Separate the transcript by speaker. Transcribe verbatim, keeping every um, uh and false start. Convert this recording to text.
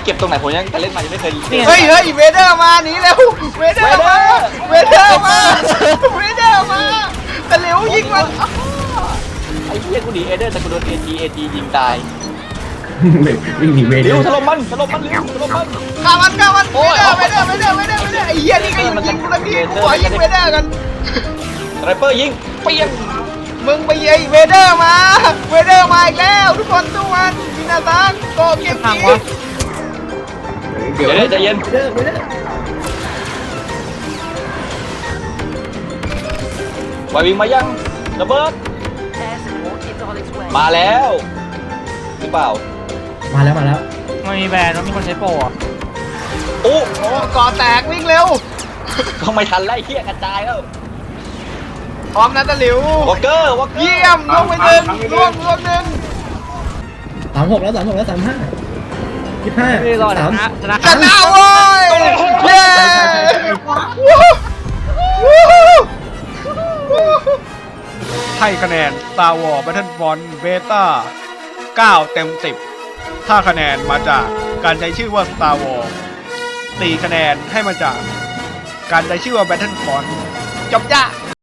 Speaker 1: ก็บตรงไหนผมยังเล่นมายังไม่เคย
Speaker 2: เฮ้ยเฮ้ยเวเดอร์มาหนีเร็วเวเดอร์มาเวเดอร์มาเวเดอร์มาแต่เร็วยิงมัน
Speaker 1: ไอ้เหี้ยกูหนีเอเดอร์แต่กูโดนเอจีเอจียิงตาย
Speaker 3: วิ่งหนีเวเด
Speaker 1: เร็
Speaker 3: อ
Speaker 1: ว
Speaker 3: ร์
Speaker 1: ถล่มมันถล่มมันเร็วถล่มมัน
Speaker 2: ฆ่ามันฆ่ามันเวเดอร์เวเดอร์เวเดอร์เวเดอร์เวเดอร์ไอ้เหี้ยนี่ก็ยิงกูแล้วพี่กูขอยิงเวเดอร์กัน
Speaker 1: ไรเปอร์ยิงเปี้ยง
Speaker 2: มึงไปยิงเวเดอร์มาเวเดอร์มาอีกแล้วทุกคนสู้มันมินาซังโกเกมจี
Speaker 1: เดี๋ยวใจเย็น
Speaker 3: เวเดอร์เวเดอร์
Speaker 1: วายวิงมายังระเบิด มาแล้วหรือเปล่า
Speaker 3: มาแล้วมาแล้ว
Speaker 4: มันมีแบรนด์มันมีคนใช้โปรอ่ะ
Speaker 1: โอ้
Speaker 2: โอ้ก่อแตกวิ่งเร็ว
Speaker 1: ทำไมทันไล่เหี้ยกระจายแล้ว
Speaker 2: พร้อมนะตะหลิว
Speaker 1: วอลเกอร์วอลเกอร์
Speaker 2: เยี่ยมลงไปหนึ่งล่วงล่วงหนึ่ง
Speaker 3: สามหกแล้วสามหกแล้วสามห้ายี่ห้า
Speaker 4: ไม่รอด
Speaker 3: สาม
Speaker 4: นะชนะ
Speaker 2: ชนะโว้ยเย้ให้คะแนน Star Wars Battlefront Beta เก้าเต็มสิบถ้าคะแนนมาจากการใช้ชื่อว่า Star Wars สี่คะแนนให้มาจากการใช้ชื่อว่า Battlefront จบจ้ะ